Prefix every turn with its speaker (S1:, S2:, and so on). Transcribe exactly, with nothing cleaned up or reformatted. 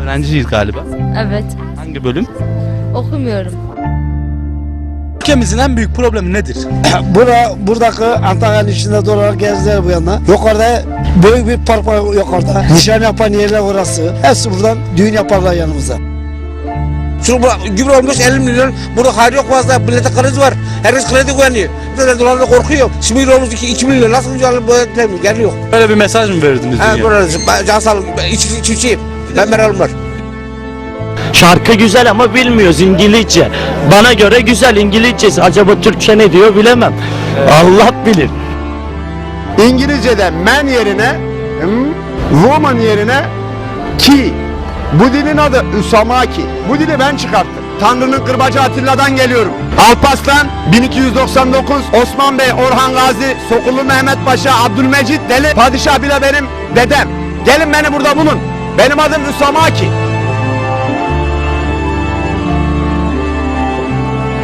S1: Öğrenciyiz galiba.
S2: Evet.
S1: Hangi bölüm?
S2: Okumuyorum.
S1: Ülkemizin en büyük problemi nedir?
S3: Bura, buradaki Antalya'nın içinde dolar gezdiler bu yana. Yukarıda büyük bir park var yukarıda. Nişan yapan yerler orası. Hepsi buradan düğün yaparlar yanımıza.
S4: Şu gübre olmuş elli milyon. Burada hayır yok fazla. Millete kredi var. Herkes kredi güveniyor. Millete dolarla korkuyor. Şimdi olmuş iki milyon. Nasıl güzel bu geliyor.
S1: Böyle bir mesaj mı verdiniz
S4: Ha
S1: dünya?
S4: böyle can sağlık. İçki içiciyim. Ben meralım var.
S5: Şarkı güzel ama bilmiyoruz İngilizce. Bana göre güzel İngilizcesi. Acaba Türkçe ne diyor bilemem. Allah bilir.
S6: İngilizce'de man yerine hmm, woman yerine ki. Bu dilin adı Üsamaki. Bu dili ben çıkarttım. Tanrı'nın kırbacı Atilla'dan geliyorum. Alparslan bin iki yüz doksan dokuz, Osman Bey, Orhan Gazi, Sokullu Mehmet Paşa, Abdülmecit Deli, Padişah bile benim dedem. Gelin beni burada bulun. Benim adım Üsamaki.